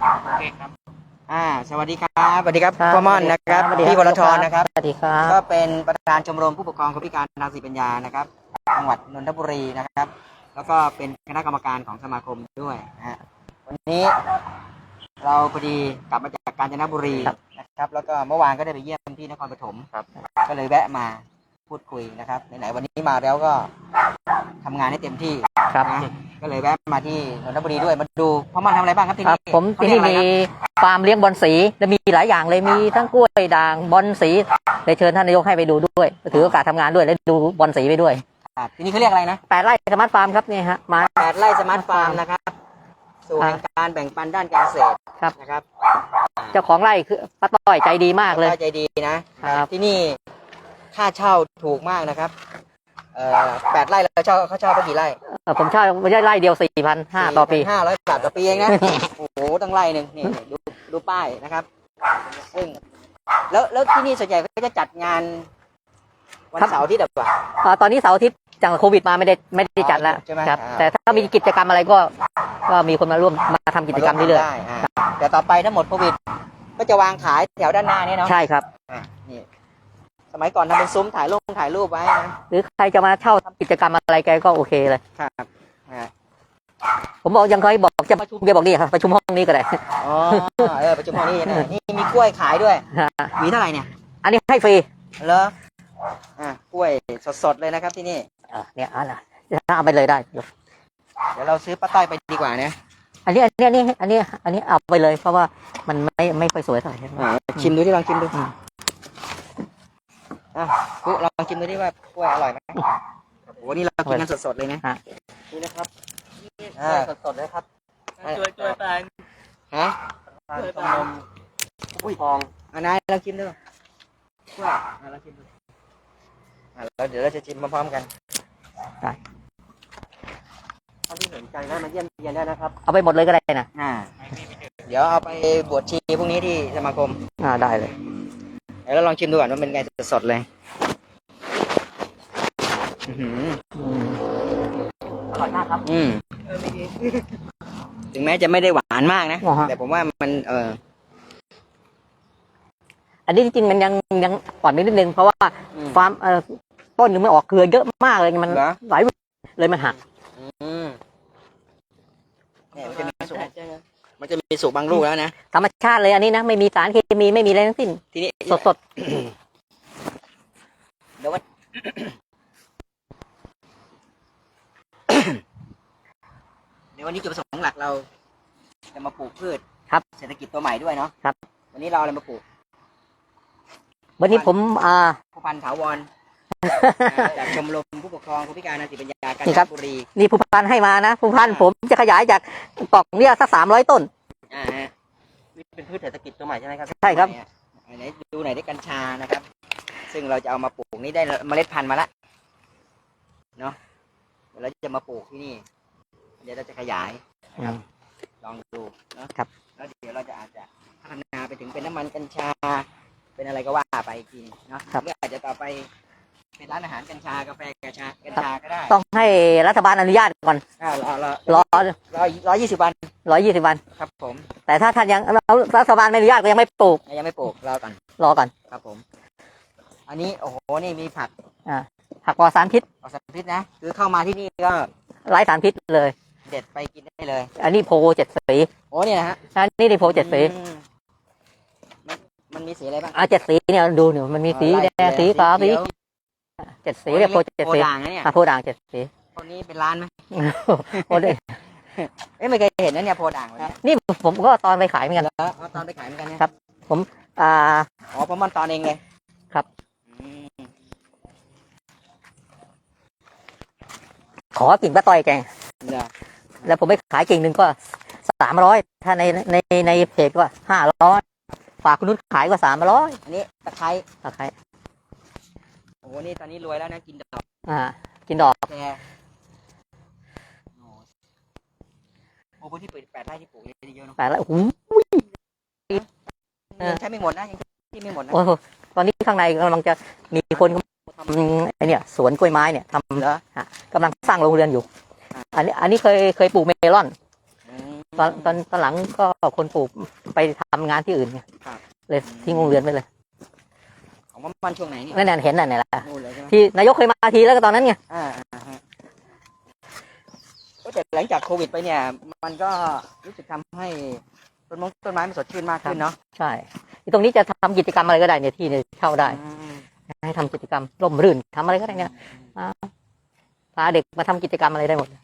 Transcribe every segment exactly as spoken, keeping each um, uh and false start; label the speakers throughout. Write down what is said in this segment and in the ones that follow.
Speaker 1: โอเคครับ
Speaker 2: อ่าสวัสดีครับสวัสดีครับพ่อม่อนนะครับพี่วรธรนะครับ
Speaker 3: สวัสดีครับ
Speaker 2: ก็เป็นประธานชมรมผู้ปกครองคนพิการทางสติปัญญานะครับจังหวัดนนทบุรีนะครับแล้วก็เป็นคณะกรรมการของสมาคมด้วยนะฮะวันนี้เราพอดีกลับมาจากกาญจนบุรีนะครับแล้วก็เมื่อวานก็ได้ไปเยี่ยมที่นครปฐมครับก็เลยแวะมาพูดคุยนะครับไหนๆวันนี้มาแล้วก็ทำงานให้เต็มที่ครับนะก็เลยแวะมาที่นนทบุรีด้วยมาดูพ่อม่อนทำอะไรบ้างครับที่นี่
Speaker 3: ผมที่นี่มีฟาร์มเลี้ยงบอลสีและมีหลายอย่างเลยมีทั้งกล้วยด่างบอลสีเลยเชิญท่านนายกให้ไปดูด้วยถือโอกาสทำงานด้วยและดูบอลสีไปด้วย
Speaker 2: ครับที่นี่เขาเรียกอะไรนะ
Speaker 3: แปดไร่สมาร์ทฟาร์มครับนี่ฮะมา
Speaker 2: แปดไร่สมาร์ทฟาร์มนะครับสู่แห่งการแบ่งปันด้านการเกษตร
Speaker 3: ครับ
Speaker 2: นะครับ
Speaker 3: เจ้าของไร่คือป้าต้อยใจดีมากเลย
Speaker 2: ใจดีนะครับที่นี่ค่าเช่าถูกมากนะครับเอ่อแปดไร่เราเช่าเขาเช่าไปกี่ไร่
Speaker 3: ผมเช่าไม่ใช่ไร่เดียวสี่พันห้าต่อปี
Speaker 2: ห้าร้อยบาทต่อปีเองนะ โอ้โหตั้งไร่หนึ่งนี่ดูดูป้ายนะครับซึ่งแล้วแล้วที่นี่ส่วนใหญ่ก็จะจัดงานวันเสาร์อาทิตย์แบบว่า
Speaker 3: ตอนนี้เสาร์อาทิตย์จากโควิดมาไม่ได้ไม่ได้จัดแล้วครับแต่ถ้ามีกิจกรรมอะไรก็ก็มีคนมาร่วมมาทำกิจกรรมเรื่อย
Speaker 2: ๆแต่ต่อไปถ้าหมดโควิดก็จะวางขายแถวด้านหน้านี่เนาะ
Speaker 3: ใช่ครับ
Speaker 2: นี่สมัยก่อนทำเป็นซุ้มถ่ายรูปถ่ายรูปไว้นะ
Speaker 3: หรือใครจะมาเช่าทำกิจกรรมอะไรแกก็โอเคเลย
Speaker 2: ครับ
Speaker 3: ผมบอกยังเคยบอกจะประชุมแกบอกนี่ครับประชุมห้องนี้ก็ได้
Speaker 2: อ๋อเออประชุมห้องนี้นะนี่มีกล้วยขายด้วยมีเท่าไหร่เนี่ย
Speaker 3: อันนี้ให้ฟรี
Speaker 2: เหรออ่ากล้วยสดๆเลยนะครับที่นี่
Speaker 3: อ่าเนี่ยอันน่ะเอาไปเลยได้เ
Speaker 2: ดี๋ยวเราซื้อป้าต้อยไปดีกว่านะ
Speaker 3: อันนี้อันนี้อันนี้อันนี้อันนี้เอาไปเลยเพราะว่ามันไม่ไม่ค่อยสวยเท่าไหร่
Speaker 2: ชิมดูที่ลองชิมดูอ่ะกูลองชิมดูที่ว่ากล้วยอร่อยไหมโอ้โหนี่เรากินกันสดๆเลยนะนี่นะครับอ่าสดๆเลยครับ
Speaker 1: ช่วยช่วยแปลง
Speaker 2: ฮะ
Speaker 1: ช่วยแปลง
Speaker 2: อุ้ยทองอันนั้นลองชิมดูกล้วยอ่ะลองชิมดูอ่ะแล้วเดี๋ยวเราจะชิมพร้อมๆกัน
Speaker 3: ได้
Speaker 2: ท่านที่สนใจได้มาเยี่ยมเยียนได้นะครับ
Speaker 3: เอาไปหมดเลยก็ได้นะ
Speaker 2: อ่าเดี๋ยวเอาไปบวชชีพรุ่งนี้ที่สมาคม
Speaker 3: อ่าได้เลย
Speaker 2: เดี๋ยวเราลองชิมดูก่อนว่าเป็นไงสดๆเลย
Speaker 3: อร่อยมากครับ
Speaker 2: อืมถึงแม้จะไม่ได้หวานมากนะแต่ผมว่ามันเออ
Speaker 3: อันนี้จริงๆมันยังยังอ่อนนิดนึงเพราะว่าฟาร์มเอ่อต้นยังไม่ออกเครือเยอะมากเลยมันหลายเลยมันหัก
Speaker 2: เนี่ยมันจะมีสุกมันจะมีสุกบางลูกแล้วนะ
Speaker 3: ธรรมชาติเลยอันนี้นะไม่มีสารเคมีไม่มีอะไรทั้งสิ้น
Speaker 2: ทีนี้
Speaker 3: สดสด
Speaker 2: เดี๋ยววันเดี๋ยววันนี้จุดประสงค์หลักเราจะมาปลูกพืช
Speaker 3: ครับ
Speaker 2: เศรษฐกิจตัวใหม่ด้วยเนาะ
Speaker 3: ครับ
Speaker 2: วันนี้เราอะไรมาปลูก
Speaker 3: วันนี้ผมอ่า
Speaker 2: ผู้พันถาวรจากชมรมผู้ปกครองคนพิการทางสติปัญญากาญจนบุรี
Speaker 3: นี่ผู้พันให้มานะผู้พันผมจะขยายจากกล่องเนี่ยสักสามร้อยต้น
Speaker 2: อ่านี่เป็นพืชเศรษฐกิจตัวใหม่ใช่ไหมครับ
Speaker 3: ใช่ครับ
Speaker 2: ไหนดูไหนได้กัญชานะครับซึ่งเราจะเอามาปลูกนี่ได้เมล็ดพันธุ์มาแล้วเนาะเดี๋ยวเราจะมาปลูกที่นี่เดี๋ยวเราจะขยายลองดูนะครับแล้วเดี๋ยวเราจะอาจจะพัฒนาไปถึงเป็นน้ำมันกัญชาเป็นอะไรก็ว่าไปอีกทีเนาะหรืออาจจะต่อไปเป็นร้านอาหารกัญชากาแฟกัญชากัญชาก็ได้
Speaker 3: ต้องให้รัฐบาลอนุญาตก่อน
Speaker 2: อ่ารอรอ
Speaker 3: รอ
Speaker 2: รอร้อยยี่สิบวัน
Speaker 3: ร้อยยี่สิบวัน
Speaker 2: ครับผม
Speaker 3: แต่ถ้าท่านยังรัฐบาลไม่อนุญาตก็ยังไม่ปลูก
Speaker 2: ยังไม่ปลูกรอก่อน
Speaker 3: รอก่อน
Speaker 2: ครับผมอันนี้โอ้โหนี่มีผัก
Speaker 3: อ่าผักปลอดสารพิษ
Speaker 2: ปลอดสารพิษนะคือเข้ามาที่นี่ก็
Speaker 3: ไร้สารพิษเลย
Speaker 2: เด็ดไปกินได้เลย
Speaker 3: อันนี้โพเจ็ดสี
Speaker 2: โอ้เนี่ยนะฮะ
Speaker 3: อันนี้นี่โพเจ็ดสี
Speaker 2: มันมันมีสีอะไรบ้าง
Speaker 3: อ่าเจ็ดสีเนี่ยดูเนี่ยมันมีสีแดงสีขาวสีเจ็ดสีเรียกโพเจ็ดสีอ่าโพด่างเจ็ดสี
Speaker 2: คนนี้เป็นร้านไหม
Speaker 3: โพเด้
Speaker 2: เอ้ไม่เคยเห็นนะเนี่ยโพด่าง
Speaker 3: นี่ผมก็ตอนไปขายเหมือนกัน
Speaker 2: แล้วตอนไปขายเหมือนกัน
Speaker 3: ครับผมอ่า
Speaker 2: อ๋อผมมันตอนเองเลย
Speaker 3: ครับขอกิ่งป้าต้อยแกงแล้วผมไปขายกิ่งหนึ่งก็สามร้อยถ้าในในในเพจก็ห้าร้อยฝากคุณนุชขายก็สามร้อย
Speaker 2: อันนี้ตะไคร้
Speaker 3: ตะไคร้
Speaker 2: โอ้โหนี่ตอนนี้รวยแล้วนะกินดอก
Speaker 3: อ่ากินดอก
Speaker 2: แกโอ้โหที่เปิดแปดไร่ที่ปลูกเยอะเนาะ
Speaker 3: แปดไร่โอ้โห
Speaker 2: ใช้ไม่หมดนะยังที่ไม่หมดนะ
Speaker 3: โอ้ตอนนี้ข้างในกำลังจะมีคนทำไอเนี่ยสวนกล้วยไม้เนี่ยทำแล้วกำลังสร้างโรงเรือนอยู่อันนี้อันนี้เคยเคยปลูกเมลอนตอนตอนตอนหลังก็คนปลูกไปทำงานที่อื่นไง
Speaker 2: ครับ
Speaker 3: เลยทิ้งโรงเรือนไปเลย
Speaker 2: ของมันช่วงไหนเนี่ย
Speaker 3: นั่นน่ะเห็นน่ะเนี่ยแหละ
Speaker 2: นู่นเลยใช่ไหม
Speaker 3: ที่นายกเคยมาทีแล้วก็ตอนนั้นไง
Speaker 2: อ่าอ่าฮะก็แต่หลังจากโควิดไปเนี่ย มันก็รู้สึกทำให้ต้นมงต้นไม้มันสดชื่นมากขึ้นเนาะ
Speaker 3: ใช่ที่ตรงนี้จะทำกิจกรรมอะไรก็ได้เนี่ยที่เนี่ยเช่าได้
Speaker 2: อืม
Speaker 3: ให้ทำกิจกรรมร่มรื่นทำอะไรก็ได้เนี่ยอ่าพาเด็กมาทำกิจกรรมอะไรได้หมด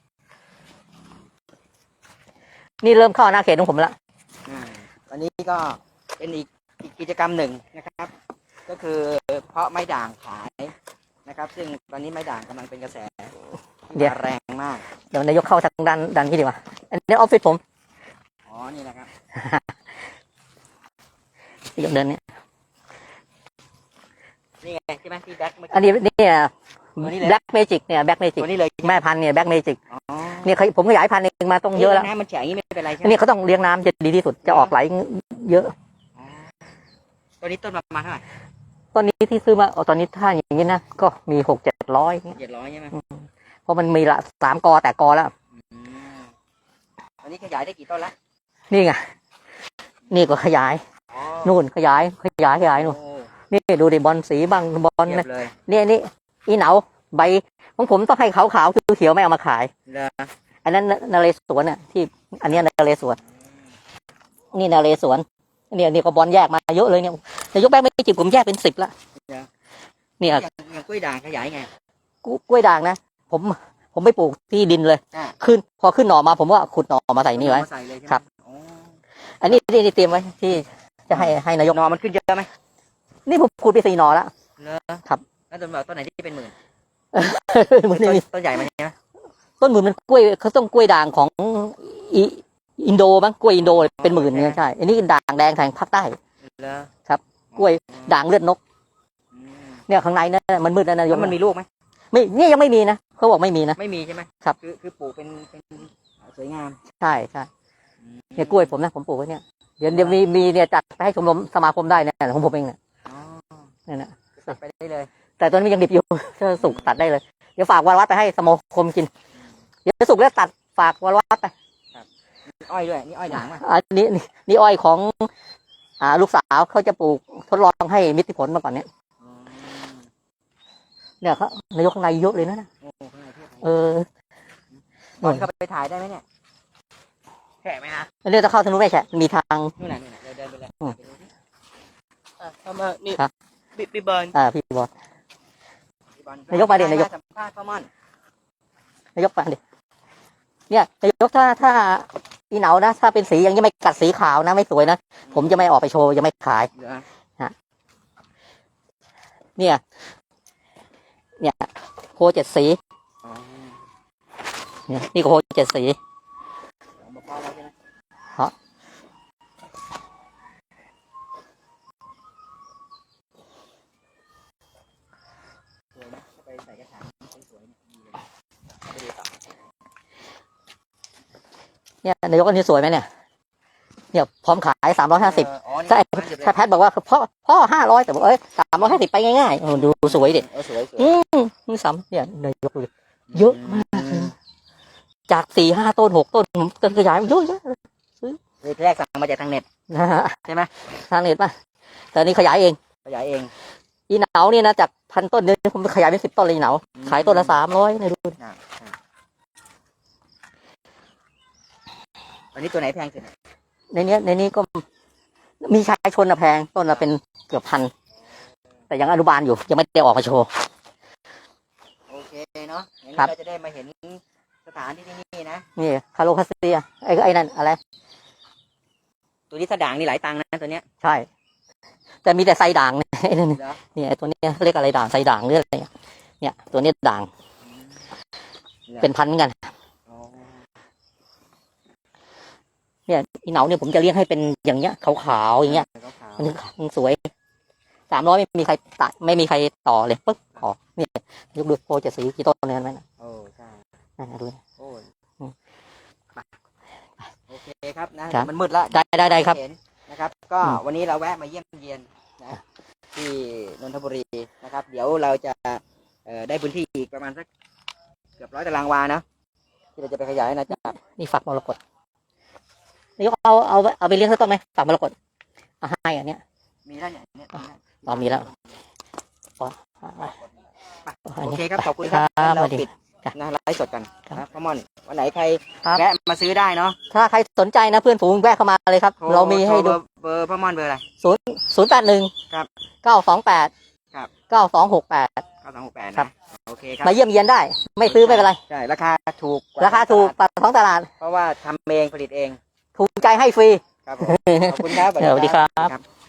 Speaker 3: นี่เริ่มเข้าอาณาเขตของผมละ
Speaker 2: อ่าตอนนี้ก็เป็นอีกอีกกิจกรรมหนึ่งนะครับ ก็คือเพาะไม้ด่างขายนะครับ ซึ่งตอนนี้ไม้ด่างกำลังเป็นกระแสที่มาแรงมาก
Speaker 3: เดี๋ยวนายกเข้าทางด้านด้านนี้ดีกว่าอันนี้ออฟฟิศผม
Speaker 2: อ๋อ นี่นะครับ
Speaker 3: ที่เดินเนี่ย
Speaker 2: นี่ไงใช่ไหมที่แบ็คเมื่อ
Speaker 3: อัน
Speaker 2: กี้
Speaker 3: นี้เนี่ย
Speaker 2: ตัวนี้เลย
Speaker 3: แบล็กเมจิกเนี่ยแบล็กเมจิก
Speaker 2: ตัวนี้เลย
Speaker 3: แม่พันธุ์เนี่ยแบล็กเมจิก
Speaker 2: อ๋อ
Speaker 3: เนี่ยเขาผมขยายพันธุ์เองมาต้องเยอะแล้ว
Speaker 2: น้ำมันแฉะอย่างนี้ไม่เป็นไรใช่ไห
Speaker 3: อั
Speaker 2: ม
Speaker 3: นนี้เขาต้องเลี้ยงน้ำจะดีที่สุดจะออกไหลเยอะ
Speaker 2: อ๋อตัวนี้ต้นประมาณเท่าไหร่
Speaker 3: ตอนนี้ที่ซื้อมาเอาตอนนี้ถ้าอย่างนี้นะก็มีหกเจ็ดร้อย
Speaker 2: เจ็ดร้อยใช่ไหม
Speaker 3: เพราะมันมีละสามกอแต่กอแล้ว
Speaker 2: อืมตอนนี้ขยายได้กี่ต้นละ
Speaker 3: นี่ไงนี่ก็ขยาย
Speaker 2: อ๋อ
Speaker 3: นู่นขยายขยายขยายนู่น
Speaker 2: โอ้
Speaker 3: นี่ดูดิบอลสีบางบอล
Speaker 2: เทีย
Speaker 3: นะ
Speaker 2: บเลย
Speaker 3: เนี่ยนี่อีเหนาใบของผมต้องให้ขาวขาวๆเขียวๆไม่เอามาขาย
Speaker 2: เหรอ
Speaker 3: อันนั้นนเรศวรน่ะที่อันเนี้ยนเรศวรนี่นเรศวรเนี่ยนี่ก็บอลแยกมาเยอะเลยเนี่ยนายกแบงค์ไม่จิบผมแยกเป็นสิบละเนี่ย
Speaker 2: อย่างอย่างกล้วยด่างขยายไง
Speaker 3: กล้วยด่างนะผมผมไปปลูกที่ดินเลย
Speaker 2: อ่า
Speaker 3: ขึ้นพอขึ้นหน่อมาผมว่าขุดหน่อมาใส่นี่ไว้
Speaker 2: ใส่เลยใช่ไหม
Speaker 3: ครับ
Speaker 2: อ๋อ
Speaker 3: อันนี้นี่นี่เตรียมไว้ที่จะให้ให้นายก
Speaker 2: หนอมันขึ้นเยอะไหม
Speaker 3: นี่ผมขุดไปสี่หน่อแล้ว
Speaker 2: เหรอ
Speaker 3: ครับ
Speaker 2: แล้วต้นแบบต้นไหนที่เป็นหมื่น
Speaker 3: มัน
Speaker 2: ต้น
Speaker 3: นี่
Speaker 2: ต้นใหญ่มันใช่ไหม
Speaker 3: ต้นหมื่นมันกล้วยเขาต้องกล้วยด่างของอิอินโดมั้งกล้วยอินโดเป็นหมื่นเนี่ยใช่อันนี้ด่างแดงทางภาคใต้
Speaker 2: เหรอ
Speaker 3: ครับ กล้วยด่างเลือดนก
Speaker 2: อืม
Speaker 3: เนี่ยข้างในเนี่ยมันมืดนะนาย
Speaker 2: แล้
Speaker 3: ก
Speaker 2: วมันมีลูกไหม
Speaker 3: ไม่เนี่ยยังไม่มีนะเขาบอกไม่มีนะ
Speaker 2: ไม่มีใช่ไหม
Speaker 3: ครับ
Speaker 2: คือคือปลูกเป็นเป็นสวยงาม
Speaker 3: ใช่ใช่เนี่ยกล้วยผมนะผมปลูกไว้เนี่ยเดี๋ยวเดี๋ยวมีมีเนี่ยจัดไปให้ชมรมสมาคมได้เนี่ยของผมเองเนี่ย
Speaker 2: อ๋อ
Speaker 3: เนี่ยนะ
Speaker 2: ตัดไปได้เลย
Speaker 3: แต่ตอนนี้มันยังดิบอยู่ ถ้าสุกตัดได้เลยเดี๋ยวฝากวรวัดไปให้สมาคมกินเดี๋ยวสุกแล้วตัดฝากวรวัดไป
Speaker 2: มีอ้อยด้วยนี่อ้อยด่างป่ะ
Speaker 3: อันนี้นี่นี่อ้อยของอ่าลูกสาวเขาจะปลูกทดลองให้มิตรผลมาก่อนเนี่ย
Speaker 2: อ๋อ
Speaker 3: เนี่ยเขานายกข้างในเยอะเลยนะ
Speaker 2: โอ้ข้างในเทียบ
Speaker 3: เออบ
Speaker 2: อลเข้าไปถ่ายได้ไหมเนี่ยแฉะไหมฮะ
Speaker 3: อันนี้จะเข้าทางนู้นไม่ใช่มีทาง
Speaker 2: นู่นน่ะนู่นน่ะเดินเดินไปเลย
Speaker 3: อืม
Speaker 2: ไปดูสิ
Speaker 1: อ่ะทำมานี่
Speaker 3: ครับ
Speaker 1: บิบิบอล
Speaker 3: อ่าพี่บอล
Speaker 2: พี่บอล
Speaker 3: นายกมาดินายก
Speaker 2: สัมภาษณ์ข้าวม่อน
Speaker 3: นายกฟังดิเนี่ยนายกถ้าถ้าอีเหนานะถ้าเป็นสีอย่างนี้ไม่กัดสีขาวนะไม่สวยนะผมจะไม่ออกไปโชว์จะไม่ขาย
Speaker 2: เหลือ
Speaker 3: เนี่ย เนี่ยโคเจ็ดสี
Speaker 2: อ๋อ
Speaker 3: เนี่ยนี่ก็โคเจ็ดสี
Speaker 2: ของมะพร้าวแล้วใช่ไหม
Speaker 3: ฮะ
Speaker 2: สวยนะถ้าไปใส่กระถางสวยๆเนี่ยดีเลยไปดูต่อ
Speaker 3: เนี่ยนายกอันนี้สวยไหมเนี่ยเนี่ยพร้อมขายสามร้อยห้าสิบ
Speaker 2: เอออ๋อนี่
Speaker 3: ใช่
Speaker 2: ร้านเดียวเลย
Speaker 3: ถ้าแพทย์บอกว่าพ่อพ่อห้าร้อยแต่บอกเอ้ยสามร้อยห้าสิบไปง่ายๆโอ้ดูสวยดิ
Speaker 2: เออสวยสวย
Speaker 3: อืมนี่ซ้ำเนี่ยนายกดูดิเยอะมากเลยจากสี่ห้าต้นหกต้นผมต้นขยายเยอะแยะเลย
Speaker 2: เลยแรกสั่งมาจากทางเน็ต
Speaker 3: นะฮะ
Speaker 2: ใช่ไหม
Speaker 3: ทางเน็ตป่ะแต่อันนี่ขยายเอง
Speaker 2: ขยายเอง
Speaker 3: อีเหนาเนี่ยนะจากพันต้นเนี่ยผมขยายเป็นสิบต้นเลยอีเหนาขายต้นละสามร้อยเนี่ยดูดิ
Speaker 2: อ่าอ่าอันนี้ตัวไหนแพงสุด
Speaker 3: ในเนี้ยในนี้ก็มีชายชนอะแพงต้นละเป็นเกือบพันแต่ยังอนุบาลอยู่ยังไม่ได้ออกมาโชว์
Speaker 2: โอเคเนาะอย่างนี้
Speaker 3: ครับ
Speaker 2: เราจะได้มาเห็นสถานที่ที่นี่นะ
Speaker 3: นี่คาโลคาเซียไอ้ไอ้นั่นอะไร
Speaker 2: ตัวนี้ถ้าด่างนี่หลายตังค์นะตัวเนี้ย
Speaker 3: ใช่ แต่มีแต่ไซด่างเนี่ยไอ้นั่น
Speaker 2: เหรอ
Speaker 3: เนี่ยไอ้ตัวเนี้ยเรียกอะไรด่างไซด่างหรืออะไรเนี่ยเนี่ยตัวเนี้ยด่างเป็นพันเหมือนกัน
Speaker 2: อ๋อ
Speaker 3: เนี่ยอีเหนาเนี่ยผมจะเลี้ยงให้เป็นอย่างเงี้ยขาวๆอย่างเงี้ย
Speaker 2: ขาว
Speaker 3: มันมันสวยสามร้อยไม่มีใครตัดไม่มีใครต่อเลยปึ๊บออกเนี่ยยกดูโปรจะสีกี่ต้นเนี่ยเห็นไหมนะ
Speaker 2: ๆโอ้ใช่
Speaker 3: นั่นนะดูนะ
Speaker 2: โอ้ย
Speaker 3: อืม
Speaker 2: ไปโอเคครับนะครับ มันมืดแล้ว
Speaker 3: ได้ได้ได้ครับ
Speaker 2: เห็นนะครับ ก็
Speaker 3: อืม
Speaker 2: วันนี้เราแวะมาเยี่ยมเยียนนะที่นนทบุรีนะครับ เดี๋ยวเราจะเอ่อได้พื้นที่อีกประมาณสักเกือบร้อยตารางวานะที่เราจะไปขยายนะจ๊ะ
Speaker 3: นี่ฝักมรกตนายกเอาเอาเอาไปเลี้ยงสักต้นไหมฝากมรกตเอาให้อันเนี้ย
Speaker 2: มีแล้วเนี่ยเนี่ย
Speaker 3: ตอนมีแล้วอ๋อ
Speaker 2: โอเคครับขอบคุณครับ
Speaker 3: ครับ
Speaker 2: เรา
Speaker 3: สวัสดี
Speaker 2: ปิดนะไลฟ์สดกัน
Speaker 3: ครับ
Speaker 2: นะพ่อม่อนวันไหนใคร
Speaker 3: ครับ
Speaker 2: แวะมาซื้อได้เนาะ
Speaker 3: ถ้าใครสนใจนะเพื่อนฝูงแวะเข้ามาเลยครับ
Speaker 2: โท
Speaker 3: เรามีให้
Speaker 2: โท
Speaker 3: ดู
Speaker 2: เบอร์เบอร์พ่อม่อนเบอร์อะไร
Speaker 3: ศูนย์ศูนย์แปดหนึ่ง
Speaker 2: ครับ
Speaker 3: เก้าสองแปด
Speaker 2: ครับ
Speaker 3: เก้าสองหกแปด
Speaker 2: เก้าสองหกแปด
Speaker 3: ครั
Speaker 2: นะ
Speaker 3: บ
Speaker 2: โอเคครับ
Speaker 3: มาเยี่ยมเยียนได้ ไม่ซื้อไม่เป็นไร
Speaker 2: ใช่ราคาถูกกว่
Speaker 3: ราคาถูกปากท้องตลาด
Speaker 2: เพราะว่าทำเองผลิตเอง
Speaker 3: ถูกใจให้ฟรี
Speaker 2: ครับผมขอบคุณครับ
Speaker 3: สวัสดีครับ
Speaker 2: ครับ